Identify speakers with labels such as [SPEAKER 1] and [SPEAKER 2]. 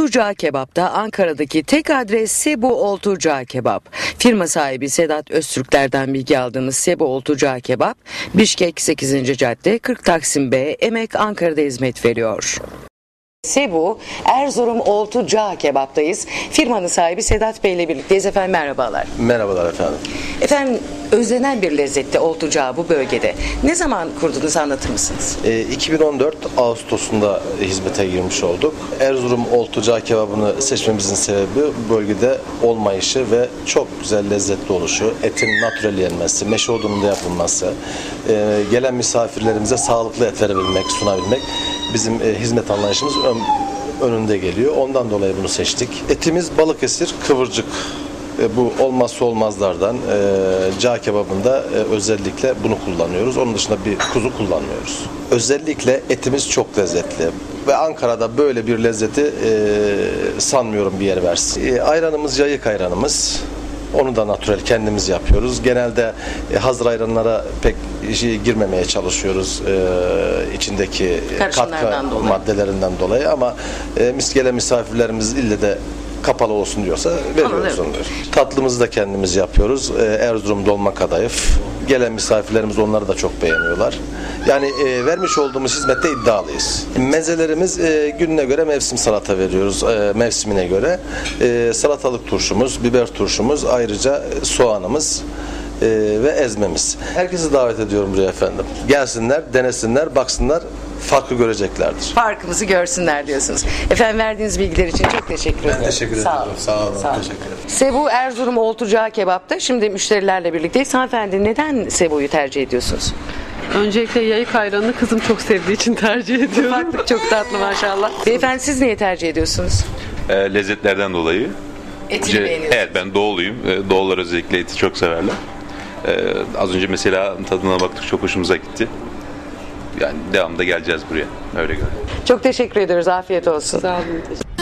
[SPEAKER 1] Olturcağ Kebap'ta Ankara'daki tek adres Sebu Olturcağ Kebap. Firma sahibi Sedat Öztürkler'den bilgi aldığımız Sebu Olturcağ Kebap, Bişkek 8. Cadde 40 Taksim B, Emek, Ankara'da hizmet veriyor. Sebu, Erzurum Olturcağ Kebap'tayız. Firmanın sahibi Sedat Bey ile birlikteyiz. Efendim merhabalar.
[SPEAKER 2] Merhabalar efendim.
[SPEAKER 1] Efendim, özlenen bir lezzette Olturcağ bu bölgede. Ne zaman kurdunuz, anlatır mısınız?
[SPEAKER 2] 2014 Ağustos'unda hizmete girmiş olduk. Erzurum Olturcağ kebabını seçmemizin sebebi bölgede olmayışı ve çok güzel lezzetli oluşu, etin natürel yenmesi, meşe odununda yapılması, gelen misafirlerimize sağlıklı et verebilmek, sunabilmek bizim hizmet anlayışımız önünde geliyor. Ondan dolayı bunu seçtik. Etimiz Balıkesir kıvırcık. Bu olmazsa olmazlardan. Cağ kebabında özellikle bunu kullanıyoruz. Onun dışında bir kuzu kullanmıyoruz. Özellikle etimiz çok lezzetli. Ve Ankara'da böyle bir lezzeti sanmıyorum bir yer versin. Ayranımız yayık ayranımız. Onu da natürel kendimiz yapıyoruz. Genelde hazır ayranlara pek girmemeye çalışıyoruz içindeki katkı maddelerinden dolayı ama gelen misafirlerimiz ille de kapalı olsun diyorsa veriyoruz onları. Tatlımızı da kendimiz yapıyoruz. Erzurum dolma kadayıf. Gelen misafirlerimiz onları da çok beğeniyorlar. Yani vermiş olduğumuz hizmette iddialıyız. Mezelerimiz gününe göre mevsim salata veriyoruz. Mevsimine göre. Salatalık turşumuz, biber turşumuz, ayrıca soğanımız ve ezmemiz. Herkesi davet ediyorum buraya efendim. Gelsinler, denesinler, baksınlar. Farkı göreceklerdir.
[SPEAKER 1] Farkımızı görsünler diyorsunuz. Efendim, verdiğiniz bilgiler için çok teşekkür ederim.
[SPEAKER 2] Ben teşekkür ederim. Sağ olun.
[SPEAKER 1] Sağ olun. Teşekkür ederim. Sebu Erzurum Olturcağ Kebap'ta şimdi müşterilerle birlikteyiz. Hanımefendi, neden Sebu'yu tercih ediyorsunuz?
[SPEAKER 3] Öncelikle yayık ayranını kızım çok sevdiği için tercih ediyorum.
[SPEAKER 1] Ufaklık çok tatlı maşallah. Beyefendi, siz niye tercih ediyorsunuz?
[SPEAKER 4] Lezzetlerden dolayı.
[SPEAKER 1] Etini beğeniyorsunuz.
[SPEAKER 4] Evet, ben doğuluyum. Doğullar özellikle eti çok severler. Az önce mesela tadına baktık, çok hoşumuza gitti. Yani devamında geleceğiz buraya. Öyle görünüyor.
[SPEAKER 1] Çok teşekkür ediyoruz. Afiyet olsun.
[SPEAKER 3] Sağ olun.